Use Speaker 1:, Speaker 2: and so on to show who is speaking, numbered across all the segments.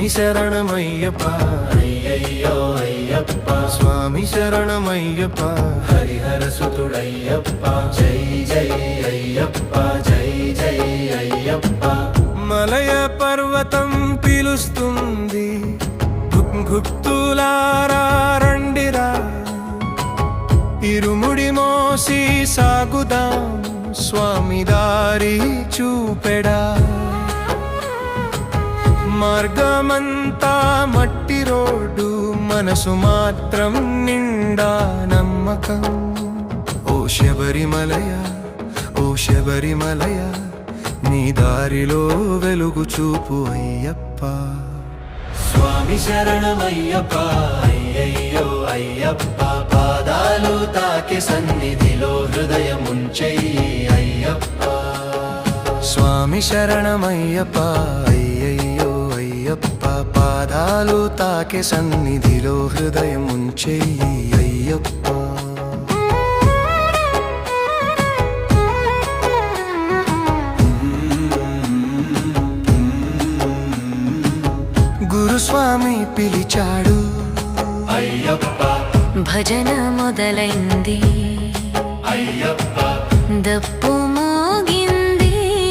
Speaker 1: స్వామి శరణమయ్యప్ప అయ్యయ్యో అయ్యప్ప స్వామి శరణమయ్యప్ప హరిహర సుతుడయ్యప్ప జై జై అయ్యప్ప జై జై అయ్యప్ప మలయ పర్వతం పిలుస్తుంది భక్తులారా రండిరా ఇరుముడి మోసి సాగుదాం స్వామి దారి చూపెడా మార్గమంతా మట్టి రోడ్డు మనసు మాత్రం నిండా నమ్మకం ఓ శబరిమలయ ఓ శబరిమలయ నీ దారిలో వెలుగు చూపు అయ్యప్ప స్వామి శరణమయ్యప్ప అయ్యయ్యో అయ్యప్ప పాదాలు తాకి సన్నిధిలో హృదయముంచెయ్యి అయ్యప్ప స్వామి శరణమయ్యప్ప అయ్యయ్యో అయ్యప్ప పాదాలు తాకి సన్నిధిలో హృదయముంచెయ్యి అయ్యప్ప గురుస్వామి పిలిచాడు అయ్యప్ప
Speaker 2: భజన మొదలైంది
Speaker 1: అయ్యప్ప
Speaker 2: దప్పు మోగింది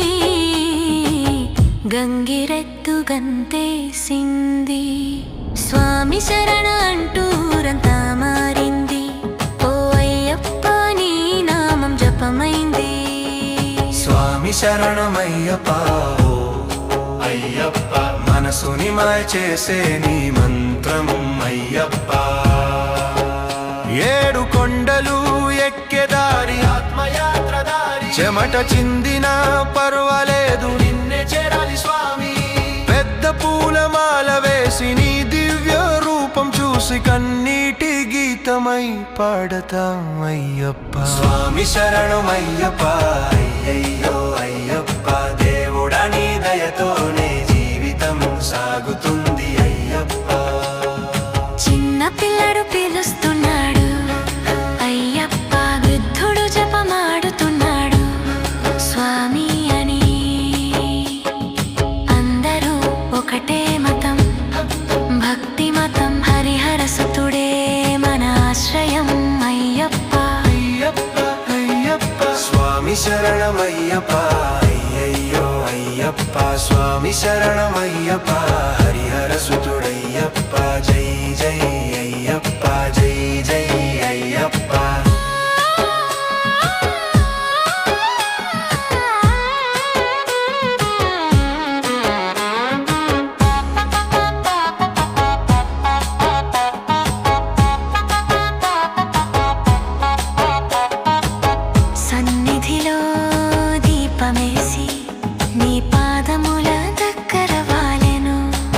Speaker 2: గంగిరెద్దు గంతేసింది స్వామి శరణ అంటూరంతా మారింది ఓ అయ్యప్ప నీ నామం జపమైంది
Speaker 1: స్వామి శరణమయ్యప్ప అయ్యప్ప మనసుని మాయ చేసే నీ మంత్రం అయ్యప్ప ఏడు కొండలు ఎక్కేదారి ఆత్మయాత్ర దారి చెమట చిందిన పర్వాలేదు నిన్నే చేరాలి స్వామి పెద్ద పూలమాల వేసి నీ దివ్య రూపం చూసి కన్నీటి గీతమై పాడతాం అయ్యప్ప స్వామి శరణమయ్యప్ప అయ్యయ్యో అయ్యప్ప దేవుడా నీ దయతోనే జీవితం సాగుతుంది అయ్యప్ప
Speaker 2: చిన్న పిల్లడు పిలుస్తున్నాడు అయ్యప్ప వృద్ధుడు జపమాడుతున్నాడు స్వామి అని అందరూ ఒకటే మతం భక్తి మతం హరిహర సుతుడే మన ఆశ్రయం అయ్యప్ప
Speaker 1: అయ్యప్ప అయ్యప్ప స్వామి శరణమయ్యప్ప అయ్యయ్యో అయ్యప్ప స్వామి శరణమయ్యప్ప హరిహర సుతుడయ్యప్ప జై జై అయ్యప్ప జై జై అయ్యప్ప
Speaker 2: సన్నిధిలో దీపమేసి నీ పాదముల దగ్గర వాలెను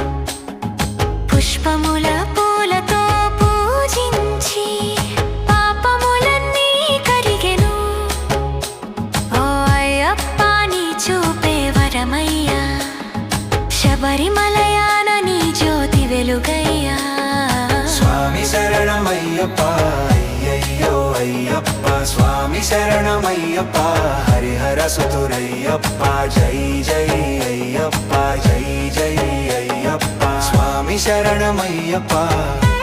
Speaker 2: పుష్పముల పూలతో పూజించి పాపములన్నీ కరిగెను ఓ అయ్యప్ప నీ చూపే వరమయ్యా శబరిమలయాన నీ జ్యోతి వెలుగయ్యా
Speaker 1: స్వామి శరణమయ్యప్ప అయ్యయ్యో అయ్యప్ప స్వామి శరణమయ్యప్ప హరిహర సుతురయ్యప్ప జై జై అయ్యప్ప జై జై అయ్యప్ప స్వామి శరణమయ్యప్ప